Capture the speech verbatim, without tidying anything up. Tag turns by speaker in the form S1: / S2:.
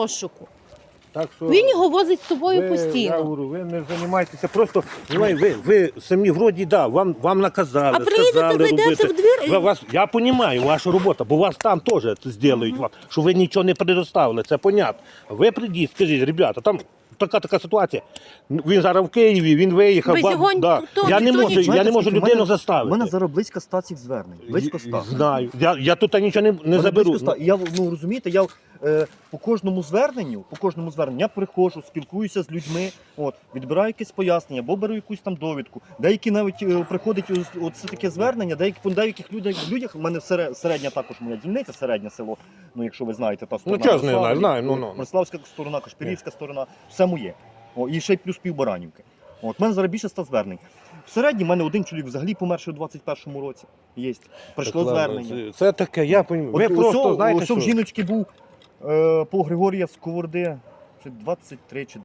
S1: розшуку.
S2: Так що
S1: Він його возить з собою
S2: ви,
S1: постійно.
S2: Я говорю, ви не займайтеся, просто ви, ви, ви самі вроді, да, вам, вам наказали,
S1: А приїдете,
S2: сказали
S1: зайдете
S2: робити.
S1: в двір і-
S2: Ви, вас, я розумію, ваша робота, бо вас там теж це зроблять, вам, що ви нічого не предоставили, це понятно. Ви прийдіть, скажіть, ребята, там така така ситуація. Він зараз в Києві, він виїхав.
S1: Без
S2: ба-
S1: його
S2: да.
S1: ніхто-
S2: Я не
S1: ніхто
S2: можу,
S1: нічого.
S2: я не можу
S3: Знаєте,
S2: людину
S3: у мене-
S2: заставити.
S3: У мене зараз близько ста цих звернень. Близько ста.
S2: Знаю. Я, я тут нічого не, не
S3: Мене
S2: заберу.
S3: близько ста. І я, ну розумієте, я е, по кожному зверненню, по кожному зверненню я приходжу, спілкуюся з людьми, от, відбираю якесь пояснення, або беру якусь там довідку. Деякі навіть е, приходять ось, от це таке звернення, деякі по деяких людях, людях, в мене сере- середня також моя дільниця, середнє село, ну якщо ви знаєте, та сторона.
S2: чого ж не
S3: Мирослава,
S2: знаю, знаю, ну, ну.
S3: Мирославська сторона, Кашпірівська сторона, все моє. О, і ще й плюс півбаранівки. От, в мене зараз більше ста звернень. В середньому в мене один чоловік взагалі померший у двадцять першому році. Є. Прийшло
S2: Так, ладно,
S3: звернення.
S2: Це, це таке, я розумію. Ви
S3: От
S2: просто
S3: усьо-
S2: знаєте,
S3: усьо в
S2: що...
S3: жіночки був е, по Григорія Сковороди, чи двадцять три чи